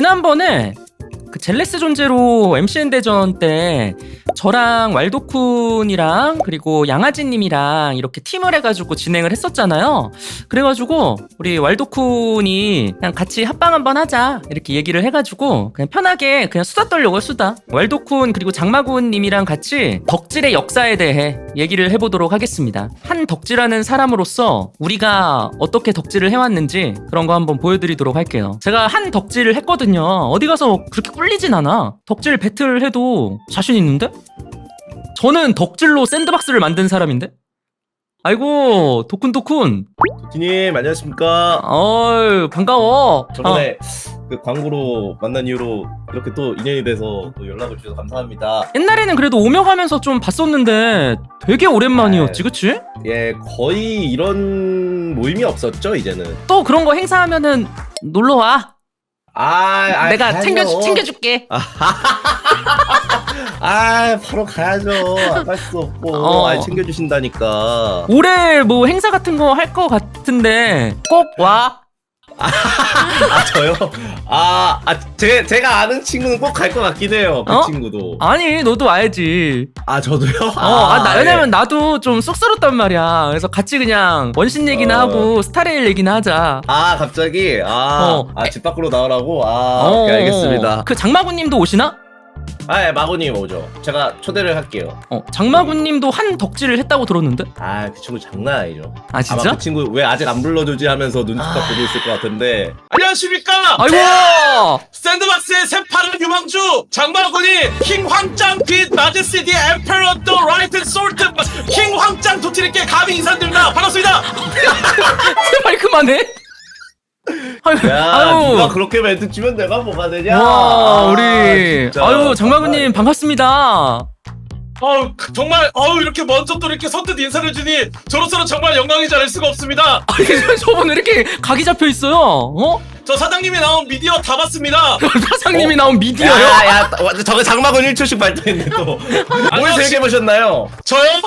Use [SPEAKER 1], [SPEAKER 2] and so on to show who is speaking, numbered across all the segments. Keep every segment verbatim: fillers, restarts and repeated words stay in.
[SPEAKER 1] 지난번에 그 젤레스 존재로 엠씨엔 대전 때 저랑 왈도쿤이랑 그리고 양아지님이랑 이렇게 팀을 해가지고 진행을 했었잖아요. 그래가지고 우리 왈도쿤이 그냥 같이 합방 한번 하자 이렇게 얘기를 해가지고 그냥 편하게 그냥 수다 떨려고요. 수다. 왈도쿤 그리고 장마군님이랑 같이 덕질의 역사에 대해 얘기를 해보도록 하겠습니다. 한 덕질하는 사람으로서 우리가 어떻게 덕질을 해왔는지 그런 거 한번 보여드리도록 할게요. 제가 한 덕질을 했거든요. 어디 가서 그렇게 꿀리진 않아. 덕질 배틀 해도 자신 있는데? 저는 덕질로 샌드박스를 만든 사람인데? 아이고 도쿤도쿤
[SPEAKER 2] 도티님 안녕하십니까.
[SPEAKER 1] 어이 반가워.
[SPEAKER 2] 저번에 어. 그 광고로 만난 이후로 이렇게 또 인연이 돼서 또 연락을 주셔서 감사합니다.
[SPEAKER 1] 옛날에는 그래도 오며 가면서 좀 봤었는데 되게 오랜만이었지. 그치?
[SPEAKER 2] 예, 거의 이런 모임이 없었죠 이제는.
[SPEAKER 1] 또 그런 거 행사하면은 놀러와.
[SPEAKER 2] 아, 아
[SPEAKER 1] 내가
[SPEAKER 2] 가야죠.
[SPEAKER 1] 챙겨, 챙겨줄게.
[SPEAKER 2] 아, 바로 가야죠. 안 갈 수 없고.
[SPEAKER 1] 어.
[SPEAKER 2] 아, 챙겨주신다니까.
[SPEAKER 1] 올해 뭐 행사 같은 거 할 거 같은데 꼭 와.
[SPEAKER 2] 아, 저요? 아, 아 제, 제가 아는 친구는 꼭 갈 것 같긴 해요. 그
[SPEAKER 1] 어?
[SPEAKER 2] 친구도.
[SPEAKER 1] 아니 너도 와야지.
[SPEAKER 2] 아, 저도요?
[SPEAKER 1] 어, 아, 나,
[SPEAKER 2] 예.
[SPEAKER 1] 왜냐면 나도 좀 쑥스럽단 말이야. 그래서 같이 그냥 원신 얘기나
[SPEAKER 2] 어.
[SPEAKER 1] 하고 스타레일 얘기나 하자.
[SPEAKER 2] 아, 갑자기? 아,
[SPEAKER 1] 어.
[SPEAKER 2] 아, 집 밖으로 나오라고? 아,
[SPEAKER 1] 어,
[SPEAKER 2] 오케이, 알겠습니다.
[SPEAKER 1] 그 장마군님도 오시나?
[SPEAKER 2] 아, 예, 마고님 오죠. 제가 초대를 할게요.
[SPEAKER 1] 어, 장마군님도 한 덕질을 했다고 들었는데?
[SPEAKER 2] 아, 그 친구 장난 아니죠.
[SPEAKER 1] 아 진짜?
[SPEAKER 2] 아마 그 친구 왜 아직 안 불러주지 하면서 눈치껏
[SPEAKER 1] 아...
[SPEAKER 2] 보고 있을 것 같은데.
[SPEAKER 3] 안녕하십니까.
[SPEAKER 1] 아이고!
[SPEAKER 3] 샌드박스의 새파란 유망주 장마군이 킹 황짱 빛 마제스티 엠페러 더 라이트 솔트 킹 황짱 도티님께 감히 인사드립니다. 반갑습니다.
[SPEAKER 1] 제발 그만해. 아유,
[SPEAKER 2] 야,
[SPEAKER 1] 아유.
[SPEAKER 2] 누가 그렇게 멘트 치면 내가 뭐가 되냐?
[SPEAKER 1] 와,
[SPEAKER 2] 아,
[SPEAKER 1] 우리
[SPEAKER 2] 진짜.
[SPEAKER 1] 아유 장마군님 반갑습니다.
[SPEAKER 3] 어우 정말 어우 이렇게 먼저 또 이렇게 선뜻 인사를 주니 저로서는 정말 영광이지 않을 수가 없습니다.
[SPEAKER 1] 아니 저분 왜 이렇게 각이 잡혀 있어요? 어?
[SPEAKER 3] 저 사장님이 나온 미디어 다 봤습니다.
[SPEAKER 1] 사장님이
[SPEAKER 2] 어?
[SPEAKER 1] 나온 미디어요?
[SPEAKER 2] 야, 야, 저거 장마군 일 초씩 발표했네 또. 뭘 세개보셨나요?
[SPEAKER 3] 저요?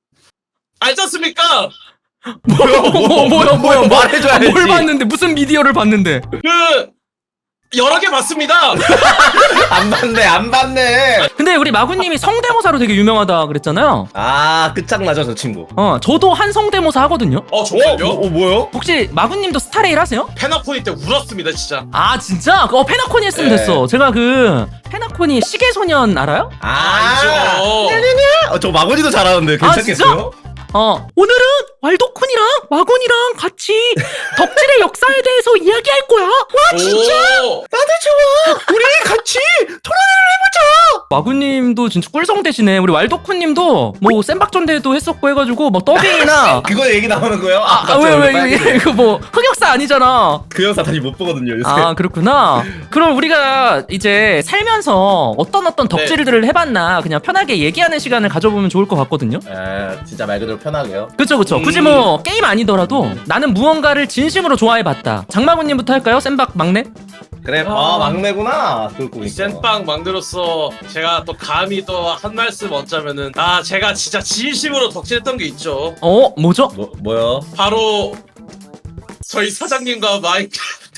[SPEAKER 3] 알지 않습니까?
[SPEAKER 1] 뭐야 뭐야 뭐야 뭐야
[SPEAKER 2] 말해줘야지.
[SPEAKER 1] 뭘 봤는데 무슨 미디어를 봤는데?
[SPEAKER 3] 그 여러 개 봤습니다.
[SPEAKER 2] 안 봤네, 안 봤네.
[SPEAKER 1] 근데 우리 마구님이 성대모사로 되게 유명하다 그랬잖아요.
[SPEAKER 2] 아, 끝장나죠, 저 친구.
[SPEAKER 1] 어 저도 한 성대모사 하거든요.
[SPEAKER 3] 어 정말요?
[SPEAKER 2] 어, 어, 뭐요?
[SPEAKER 1] 혹시 마구님도 스타레일 하세요?
[SPEAKER 3] 페나포니 때 울었습니다 진짜.
[SPEAKER 1] 아 진짜? 어 페나코니 했으면
[SPEAKER 2] 네.
[SPEAKER 1] 됐어. 제가 그 페나코니 시계소년 알아요?
[SPEAKER 2] 아,
[SPEAKER 3] 알죠.
[SPEAKER 2] 어, 저 마군이도 잘하는데
[SPEAKER 1] 아,
[SPEAKER 2] 괜찮겠어요?
[SPEAKER 1] 어 오늘은 왈도쿤이랑 마군이랑 같이 덕질의 역사에 대해서 이야기할 거야. 와 진짜?
[SPEAKER 3] 오.
[SPEAKER 2] 나도 좋아. 우리 같이 토론을 해보자.
[SPEAKER 1] 마구님도 진짜 꿀성 대시네. 우리 왈도쿤님도 뭐 센박전대도 했었고 해가지고 뭐 더빙이나
[SPEAKER 2] 그거 얘기 나오는 거예요?
[SPEAKER 1] 아 왜 왜 이거 이거 뭐 흑역사 아니잖아.
[SPEAKER 2] 그 영상 다시 못 보거든요 요새.
[SPEAKER 1] 아 그렇구나. 그럼 우리가 이제 살면서 어떤 어떤 덕질들을 해봤나 그냥 편하게 얘기하는 시간을 가져보면 좋을 것 같거든요.
[SPEAKER 2] 아, 진짜 말 그대로 편하게요.
[SPEAKER 1] 그쵸 그쵸.
[SPEAKER 3] 음.
[SPEAKER 1] 굳이 뭐 게임 아니더라도 나는 무언가를 진심으로 좋아해봤다. 장마군님부터 할까요? 센박 막내?
[SPEAKER 2] 그래, 아, 막내구나. 그걸 보니까.
[SPEAKER 3] 센빵 막내로서 제가 또 감히 또 한 말씀 얻자면은 아 제가 진짜 진심으로 덕질했던 게 있죠.
[SPEAKER 1] 어 뭐죠?
[SPEAKER 2] 뭐, 뭐요?
[SPEAKER 3] 바로 저희 사장님과 마이크.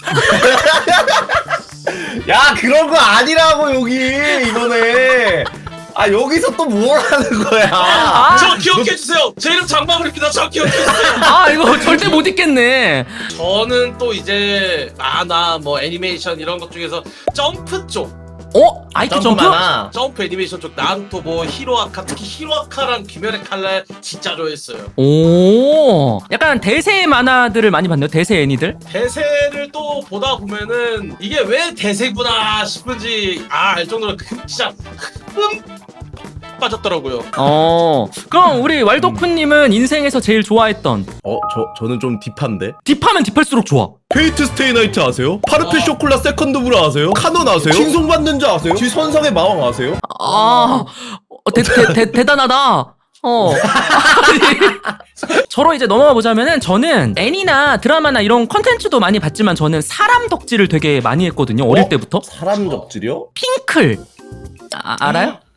[SPEAKER 2] 야, 그런 거 아니라고 여기 이번에. 아, 여기서 또 뭘 하는 거야?
[SPEAKER 1] 아,
[SPEAKER 3] 저 기억해 주세요. 제 이름 장마군입니다. 저 기억해 주세요.
[SPEAKER 1] 아 이거 절대 못 읽겠네.
[SPEAKER 3] 저는 또 이제 만화 뭐 애니메이션 이런 것 중에서 점프 쪽.
[SPEAKER 1] 어? 아이큐 점프?
[SPEAKER 2] 많아.
[SPEAKER 3] 점프 애니메이션 쪽 나루토 뭐 히로아카 특히 히로아카랑 귀멸의 칼날 진짜 좋아했어요.
[SPEAKER 1] 오 약간 대세 만화들을 많이 봤네요. 대세 애니들.
[SPEAKER 3] 대세를 또 보다 보면은 이게 왜 대세구나 싶은지 아 알 정도로 그 진짜 흠 빠졌더라고요.
[SPEAKER 1] 어 그럼 우리 왈도쿤님은 인생에서 제일 좋아했던
[SPEAKER 2] 어, 저 저는 좀 딥한데.
[SPEAKER 1] 딥하면 딥할수록 좋아.
[SPEAKER 2] 페이트 스테이 나이트 아세요? 파르페
[SPEAKER 3] 어.
[SPEAKER 2] 쇼콜라 세컨드 브라 아세요? 카논 아세요? 칭송받는 자 아세요? 지 선상의 마왕 아세요?
[SPEAKER 1] 아 어, 대, 대, 대, 대단하다. 어 아니, 저로 이제 넘어가 보자면은 저는 애니나 드라마나 이런 컨텐츠도 많이 봤지만 저는 사람 덕질을 되게 많이 했거든요. 어릴
[SPEAKER 2] 어?
[SPEAKER 1] 때부터.
[SPEAKER 2] 사람 덕질이요?
[SPEAKER 1] 핑클 아, 알아요?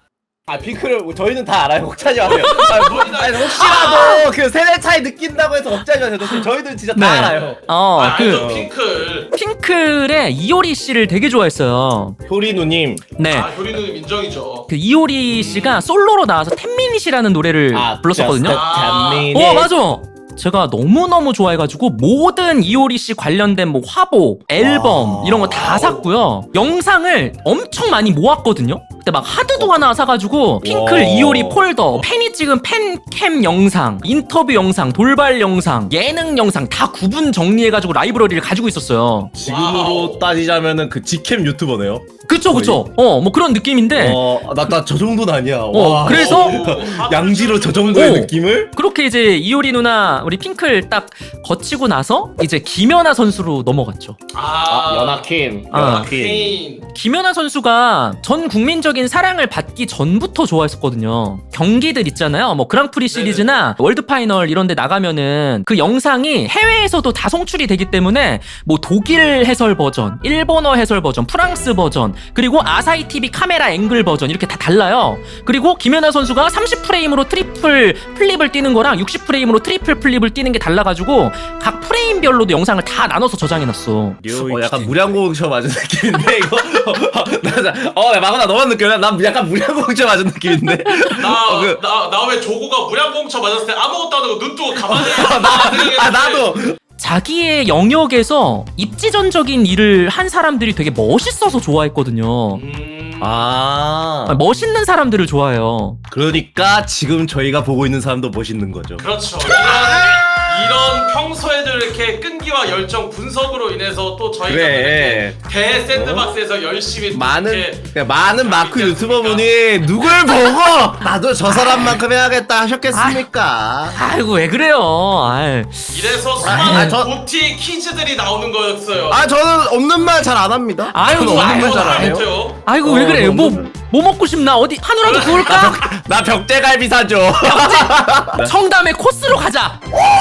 [SPEAKER 2] 아 핑크를 저희는 다 알아요. 걱정하지 마세요. 아, 뭐, 아니, 혹시라도 그 세대 차이 느낀다고 해서 걱정하지 마세요. 저희는 진짜 다
[SPEAKER 1] 네.
[SPEAKER 2] 알아요.
[SPEAKER 1] 어,
[SPEAKER 3] 아,
[SPEAKER 1] 그
[SPEAKER 3] 알죠, 핑클.
[SPEAKER 1] 핑클의 이효리 씨를 되게 좋아했어요.
[SPEAKER 2] 효리 누님.
[SPEAKER 1] 네.
[SPEAKER 3] 아, 효리는 인정이죠.
[SPEAKER 1] 그 이효리 씨가 솔로로 나와서 텐미닛이라는 노래를 불렀었거든요.
[SPEAKER 3] 아.
[SPEAKER 1] 어, 맞아. 제가 너무너무 좋아해가지고 모든 이효리 씨 관련된 뭐 화보, 앨범
[SPEAKER 2] 와.
[SPEAKER 1] 이런 거 다 샀고요. 영상을 엄청 많이 모았거든요. 그때 막 하드도 하나 사가지고 핑클
[SPEAKER 2] 와.
[SPEAKER 1] 이효리 폴더, 팬이 찍은 팬캠 영상, 인터뷰 영상, 돌발 영상, 예능 영상 다 구분 정리해가지고 라이브러리를 가지고 있었어요.
[SPEAKER 2] 지금으로
[SPEAKER 3] 와우.
[SPEAKER 2] 따지자면은 그 직캠 유튜버네요.
[SPEAKER 1] 그쵸 그쵸. 어 뭐 그런 느낌인데
[SPEAKER 2] 어나 나 저 정도는 아니야.
[SPEAKER 1] 어,
[SPEAKER 2] 와.
[SPEAKER 1] 그래서
[SPEAKER 2] 양지로 저 정도의
[SPEAKER 1] 오.
[SPEAKER 2] 느낌을?
[SPEAKER 1] 그렇게 이제 이효리 누나 우리 핑클 딱 거치고 나서 이제 김연아 선수로 넘어갔죠.
[SPEAKER 3] 아,
[SPEAKER 2] 연하킴.
[SPEAKER 1] 아.
[SPEAKER 2] 연하킴.
[SPEAKER 3] 케인.
[SPEAKER 1] 김연아 선수가 전 국민적인 사랑을 받기 전부터 좋아했었거든요. 경기들 있잖아요. 뭐 그랑프리 시리즈나 월드 파이널 이런 데 나가면은 그 영상이 해외에서도 다 송출이 되기 때문에 뭐 독일 해설 버전, 일본어 해설 버전, 프랑스 버전, 그리고 아사히 티비 카메라 앵글 버전 이렇게 다 달라요. 그리고 김연아 선수가 삼십 프레임으로 트리플 플립을 뛰는 거랑 육십 프레임으로 트리플 플립을 뛰는 게 달라가지고 각 프레임별로도 영상을 다 나눠서 저장해놨어.
[SPEAKER 2] 어 약간 무량공처 맞은 느낌인데 이거. 어 마구나 너만 느껴요? 난 약간 무량공처 맞은 느낌인데.
[SPEAKER 3] 나,
[SPEAKER 2] 어, 그-
[SPEAKER 3] 나, 나 왜 조고가 무량공처 맞았을 때 아무것도 안 하고 눈 뜨고 가만히
[SPEAKER 2] 아 나도.
[SPEAKER 1] 자기의 영역에서 입지전적인 일을 한 사람들이 되게 멋있어서 좋아했거든요.
[SPEAKER 3] 음...
[SPEAKER 2] 아.
[SPEAKER 1] 아, 멋있는 사람들을 좋아해요.
[SPEAKER 2] 그러니까 지금 저희가 보고 있는 사람도 멋있는 거죠.
[SPEAKER 3] 그렇죠. 이런, 이런 평소에들 이렇게 끈기와 열정 분석으로 인해서 또 저희가
[SPEAKER 2] 그래.
[SPEAKER 3] 이렇게 대 샌드박스에서 열심히 또
[SPEAKER 2] 많은
[SPEAKER 3] 이렇게
[SPEAKER 2] 그냥 많은 마크
[SPEAKER 3] 있지
[SPEAKER 2] 유튜버분이 누굴 보고 나도 저 사람만큼 해야겠다 하셨겠습니까?
[SPEAKER 1] 아이고 왜 그래요? 아이.
[SPEAKER 3] 이래서 수많은
[SPEAKER 2] 아, 저-
[SPEAKER 3] 고티 퀴즈들이 나오는 거였어요.
[SPEAKER 2] 아 저는 없는 말 잘 안 합니다.
[SPEAKER 1] 아유,
[SPEAKER 2] 저는 없는
[SPEAKER 1] 아유,
[SPEAKER 2] 말 잘 안 해요.
[SPEAKER 3] 알죠.
[SPEAKER 1] 아이고
[SPEAKER 2] 어,
[SPEAKER 1] 왜 그래?
[SPEAKER 2] 너무-
[SPEAKER 1] 뭐 뭐 먹고 싶나? 어디 한우라도 구울까?
[SPEAKER 2] 나 벽대갈비 사줘.
[SPEAKER 1] 청담에 코스로 가자.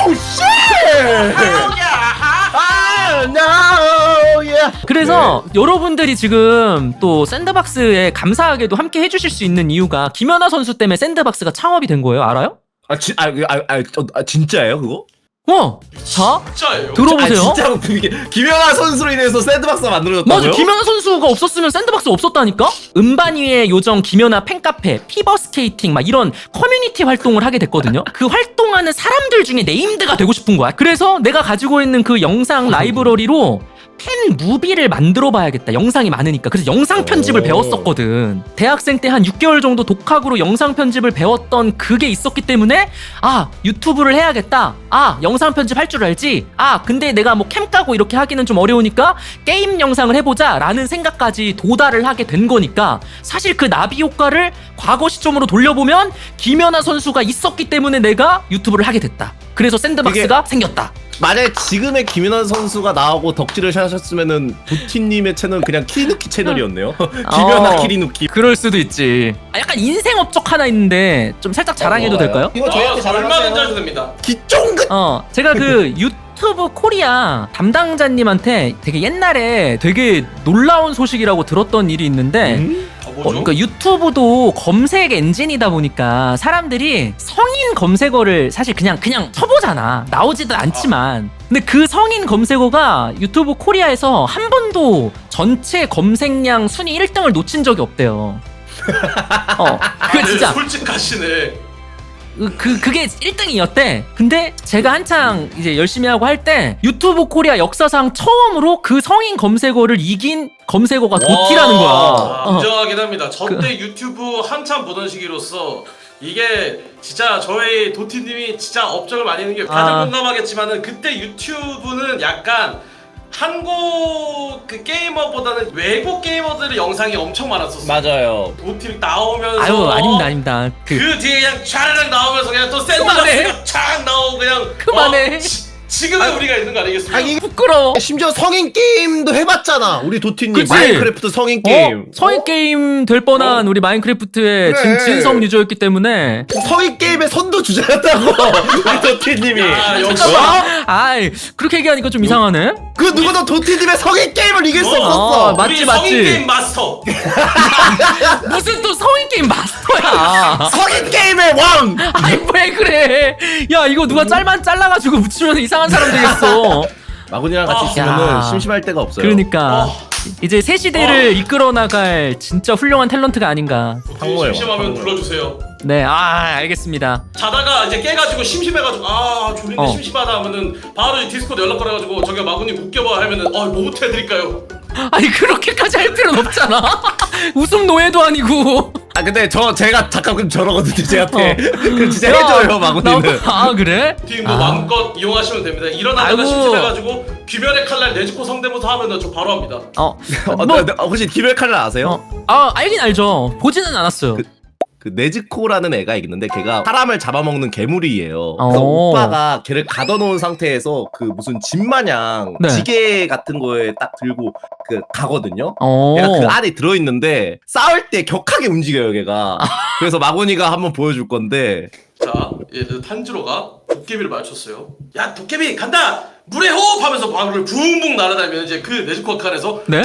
[SPEAKER 2] 아, no, yeah.
[SPEAKER 1] 그래서 여러분들이 지금 또 샌드박스에 감사하게도 함께 해주실 수 있는 이유가 김연아 선수 때문에 샌드박스가 창업이 된 거예요. 알아요?
[SPEAKER 2] 아, 지, 아, 아, 아, 저, 아 진짜예요 그거?
[SPEAKER 1] 어, 자
[SPEAKER 3] 진짜예요.
[SPEAKER 1] 들어보세요.
[SPEAKER 2] 아, 진짜로 그게 김연아 선수로 인해서 샌드박스가 만들어졌다고요?
[SPEAKER 1] 맞아, 김연아 선수가 없었으면 샌드박스 없었다니까? 음반 위의 요정 김연아 팬카페, 피버스케이팅 막 이런 커뮤니티 활동을 하게 됐거든요. 그 활동하는 사람들 중에 네임드가 되고 싶은 거야. 그래서 내가 가지고 있는 그 영상 라이브러리로 팬 무비를 만들어 봐야겠다. 영상이 많으니까. 그래서 영상 편집을
[SPEAKER 2] 오.
[SPEAKER 1] 배웠었거든. 대학생 때 한 육 개월 정도 독학으로 영상 편집을 배웠던 그게 있었기 때문에 아, 유튜브를 해야겠다. 아, 영상 편집 할 줄 알지? 아, 근데 내가 뭐 캠 까고 이렇게 하기는 좀 어려우니까 게임 영상을 해보자 라는 생각까지 도달을 하게 된 거니까 사실 그 나비 효과를 과거 시점으로 돌려보면 김연아 선수가 있었기 때문에 내가 유튜브를 하게 됐다. 그래서 샌드박스가 생겼다.
[SPEAKER 2] 만약에 지금의 김연아 선수가 나오고 덕질을 하셨으면은 도티님의 채널은 그냥 키리누키 채널이었네요. 김연아
[SPEAKER 1] 어.
[SPEAKER 2] 키리누키.
[SPEAKER 1] 그럴 수도 있지. 아, 약간 인생 업적 하나 있는데 좀 살짝 자랑해도
[SPEAKER 2] 어,
[SPEAKER 1] 될까요?
[SPEAKER 2] 이거 저희한테
[SPEAKER 3] 어, 얼마든지
[SPEAKER 2] 자랑하세요.
[SPEAKER 3] 하셔도 됩니다.
[SPEAKER 2] 기쫑긋.
[SPEAKER 1] 어, 제가 그 유튜브 코리아 담당자님한테 되게 옛날에 되게 놀라운 소식이라고 들었던 일이 있는데
[SPEAKER 2] 음?
[SPEAKER 3] 어,
[SPEAKER 1] 어,
[SPEAKER 3] 뭐죠?
[SPEAKER 1] 그러니까 유튜브도 검색 엔진이다 보니까 사람들이 성인 검색어를 사실 그냥 그냥 쳐보잖아. 나오지도 않지만. 근데 그 성인 검색어가 유튜브 코리아에서 한 번도 전체 검색량 순위 일 등을 놓친 적이 없대요. 어, 그
[SPEAKER 3] 다들
[SPEAKER 1] 진짜
[SPEAKER 3] 솔직하시네.
[SPEAKER 1] 그, 그 그게 일 등이었대. 근데 제가 한창 이제 열심히 하고 할 때 유튜브 코리아 역사상 처음으로 그 성인 검색어를 이긴 검색어가 도티라는 거야.
[SPEAKER 3] 아,
[SPEAKER 1] 어.
[SPEAKER 3] 인정하긴 합니다. 저 때 유튜브 한참 보던 시기로서 이게 진짜 저희 도티님이 진짜 업적을 많이 있는 게 다들
[SPEAKER 1] 아.
[SPEAKER 3] 공감하겠지만은 그때 유튜브는 약간 한국 그 게이머보다는 외국 게이머들의 영상이 엄청 많았었어.
[SPEAKER 2] 맞아요.
[SPEAKER 3] 도티 나오면서
[SPEAKER 1] 아유, 아닙니다, 아닙니다. 그,
[SPEAKER 3] 그 뒤에 그냥 촤르륵 나오면서 그냥 또
[SPEAKER 1] 그만해.
[SPEAKER 3] 샌드박스가 촥 나오고 그냥
[SPEAKER 1] 그만해.
[SPEAKER 3] 어, 지, 지금은 우리가 있는 거 아니겠습니까?
[SPEAKER 2] 아 이게
[SPEAKER 1] 부끄러워.
[SPEAKER 2] 심지어 성인 게임도 해봤잖아 우리 도티님.
[SPEAKER 1] 그치?
[SPEAKER 2] 마인크래프트 성인 게임.
[SPEAKER 1] 어? 성인 게임 될 뻔한 우리 마인크래프트의
[SPEAKER 2] 그래.
[SPEAKER 1] 진, 진성 유저였기 때문에.
[SPEAKER 2] 성인 게임의 선두 주자였다고 우리 도티님이.
[SPEAKER 3] 야, 역시.
[SPEAKER 2] 어?
[SPEAKER 1] 아이 그렇게 얘기하니까 좀 이상하네.
[SPEAKER 2] 그 누구도 도티님의 성인 게임을 이길 수
[SPEAKER 3] 어,
[SPEAKER 2] 없었어.
[SPEAKER 1] 어, 맞지,
[SPEAKER 3] 우리
[SPEAKER 1] 맞지.
[SPEAKER 3] 성인 게임 마스터.
[SPEAKER 1] 무슨 또 성인 게임 마스터야.
[SPEAKER 2] 성인 게임의 왕.
[SPEAKER 1] 아이 왜 그래? 야 이거 누가 짤만 잘라가지고 붙이면 이상한 사람 되겠어.
[SPEAKER 2] 마군이랑 같이
[SPEAKER 3] 어.
[SPEAKER 2] 있으면은
[SPEAKER 1] 야.
[SPEAKER 2] 심심할 데가 없어요.
[SPEAKER 1] 그러니까
[SPEAKER 3] 어.
[SPEAKER 1] 이제 새 시대를 이끌어 나갈 진짜 훌륭한 탤런트가 아닌가.
[SPEAKER 2] 황홀해요,
[SPEAKER 3] 심심하면
[SPEAKER 2] 황홀해.
[SPEAKER 3] 불러주세요.
[SPEAKER 1] 네, 아 알겠습니다.
[SPEAKER 3] 자다가 이제 깨가지고 심심해가지고 아 졸린데
[SPEAKER 1] 어.
[SPEAKER 3] 심심하다 하면은 바로 이 디스코드 연락 걸어가지고 저기 마구님 웃겨봐 하면은 어 뭐부터 해드릴까요?
[SPEAKER 1] 아니 그렇게까지 할 필요는 없잖아. 웃음 노예도 아니고.
[SPEAKER 2] 아 근데 저 제가 잠깐 그럼 저러거든요 제한테.
[SPEAKER 1] 어.
[SPEAKER 2] 그 진짜
[SPEAKER 1] 야,
[SPEAKER 2] 해줘요 마군이는.
[SPEAKER 1] 나- 아 그래?
[SPEAKER 3] 팀 뭐
[SPEAKER 1] 아.
[SPEAKER 3] 마음껏 이용하시면 됩니다. 일어나다가
[SPEAKER 1] 아이고.
[SPEAKER 3] 심심해가지고 귀멸의 칼날 내주코 성대모사 하면은 저 바로 합니다.
[SPEAKER 1] 어,
[SPEAKER 2] 어,
[SPEAKER 1] 뭐,
[SPEAKER 2] 나- 나- 혹시 기별 칼날 아세요?
[SPEAKER 1] 어, 아 알긴 알죠. 보지는 않았어요.
[SPEAKER 2] 그 네즈코라는 애가 있는데 걔가 사람을 잡아먹는 괴물이에요.
[SPEAKER 1] 어.
[SPEAKER 2] 그래서 오빠가 걔를 가둬놓은 상태에서 그 무슨 집 마냥
[SPEAKER 1] 네.
[SPEAKER 2] 지게 같은 거에 딱 들고 그 가거든요.
[SPEAKER 1] 어.
[SPEAKER 2] 얘가 그 안에 들어있는데 싸울 때 격하게 움직여요 걔가. 그래서 마곤이가 한번 보여줄 건데
[SPEAKER 3] 자, 예, 탄지로가 도깨비를 맞췄어요. 야, 도깨비 간다! 물에 호흡하면서 방울을 붕붕 날아다니면 이제 그 네즈코 칸에서
[SPEAKER 1] 네?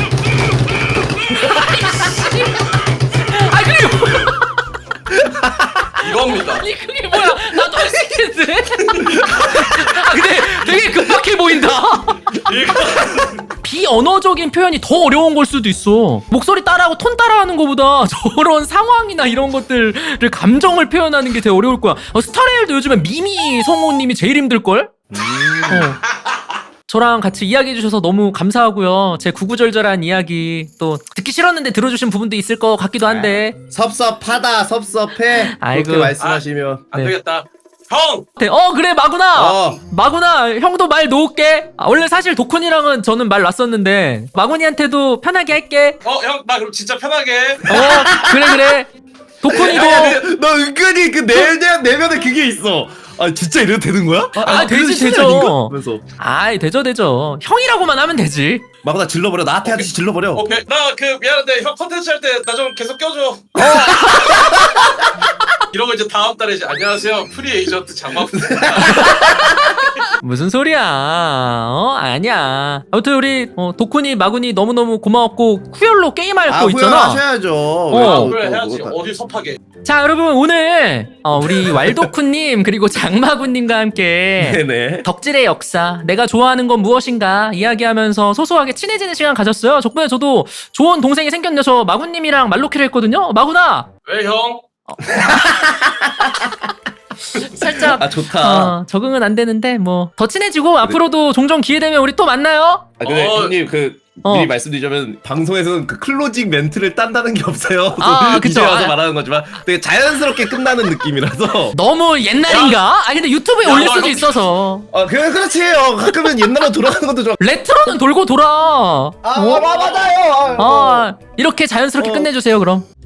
[SPEAKER 1] 아 그게 뭐야?
[SPEAKER 3] 이겁니다.
[SPEAKER 1] 아니 그게 뭐야? 나도 할 수 있겠는데? 아 근데 되게 급박해 보인다.
[SPEAKER 3] 이거
[SPEAKER 1] 비언어적인 표현이 더 어려운 걸 수도 있어. 목소리 따라하고 톤 따라하는 것보다 저런 상황이나 이런 것들을 감정을 표현하는 게 되게 어려울 거야. 어, 스타레일도 요즘에 미미 성우님이 제일 힘들걸? 어. 저랑 같이 이야기해 주셔서 너무 감사하고요. 제 구구절절한 이야기 또 듣기 싫었는데 들어주신 부분도 있을 것 같기도 한데.
[SPEAKER 2] 섭섭하다 섭섭해
[SPEAKER 1] 아이고.
[SPEAKER 2] 그렇게 말씀하시면
[SPEAKER 3] 안
[SPEAKER 1] 네.
[SPEAKER 3] 되겠다. 형!
[SPEAKER 1] 네, 어 그래 마구나.
[SPEAKER 2] 어.
[SPEAKER 1] 마구나 형도 말 놓을게. 아, 원래 사실 도쿤이랑은 저는 말 놨었는데 마구니한테도 편하게 할게.
[SPEAKER 3] 어, 형, 나 그럼 진짜 편하게.
[SPEAKER 1] 어 그래 그래. 도쿤이도
[SPEAKER 2] 야, 너 은근히 그 내면 내면에 그게 있어. 아 진짜 이래도 되는 거야?
[SPEAKER 1] 아, 되지,
[SPEAKER 2] 그래도 신이
[SPEAKER 1] 되죠.
[SPEAKER 2] 아닌가? 하면서
[SPEAKER 1] 아이 되죠 되죠. 형이라고만 하면 되지.
[SPEAKER 2] 마구나 질러버려. 나한테 하듯이 질러버려.
[SPEAKER 3] 오케이. 나 그 미안한데 형 컨텐츠 할 때 나 좀 계속 껴줘. 이런 거 이제 다음 달에 이제 안녕하세요. 프리 에이전트 장마입니다.
[SPEAKER 1] 무슨 소리야? 어 아니야. 아무튼 우리 어, 도쿤이 마군이 너무 너무 고마웠고 쿠열로 게임할
[SPEAKER 2] 아
[SPEAKER 1] 거 있잖아.
[SPEAKER 2] 후회하셔야죠.
[SPEAKER 1] 어.
[SPEAKER 3] 그래 해야지. 어디 섭하게.
[SPEAKER 1] 자 여러분 오늘 어, 우리 왈도쿤님 그리고 장마군님과 함께
[SPEAKER 2] 네네.
[SPEAKER 1] 덕질의 역사, 내가 좋아하는 건 무엇인가 이야기하면서 소소하게 친해지는 시간 가졌어요. 덕분에 저도 좋은 동생이 생겼네요. 저 마군님이랑 말로키를 했거든요. 마군아
[SPEAKER 3] 왜 형?
[SPEAKER 1] 살짝
[SPEAKER 2] 아 좋다.
[SPEAKER 1] 어, 적응은 안 되는데 뭐 더 친해지고 앞으로도 종종 기회 되면 우리 또 만나요.
[SPEAKER 2] 아 근데
[SPEAKER 3] 어.
[SPEAKER 2] 형님 그
[SPEAKER 1] 어.
[SPEAKER 2] 미리 말씀드리자면 방송에서는 그 클로징 멘트를 딴다는 게 없어요.
[SPEAKER 1] 아, 그쵸.
[SPEAKER 2] 이제 와서
[SPEAKER 1] 아.
[SPEAKER 2] 말하는 거지만 되게 자연스럽게 끝나는 느낌이라서.
[SPEAKER 1] 너무 옛날인가? 아 근데 유튜브에
[SPEAKER 3] 야,
[SPEAKER 1] 올릴
[SPEAKER 3] 너
[SPEAKER 1] 수도
[SPEAKER 3] 형-
[SPEAKER 1] 있어서
[SPEAKER 2] 아 그래 그렇지. 어, 가끔은 옛날로 돌아가는 것도 좋아.
[SPEAKER 1] 레트로는 돌고 돌아.
[SPEAKER 2] 아,
[SPEAKER 1] 어?
[SPEAKER 2] 아 맞아요. 아,
[SPEAKER 1] 아 이렇게 자연스럽게
[SPEAKER 2] 어.
[SPEAKER 1] 끝내주세요 그럼.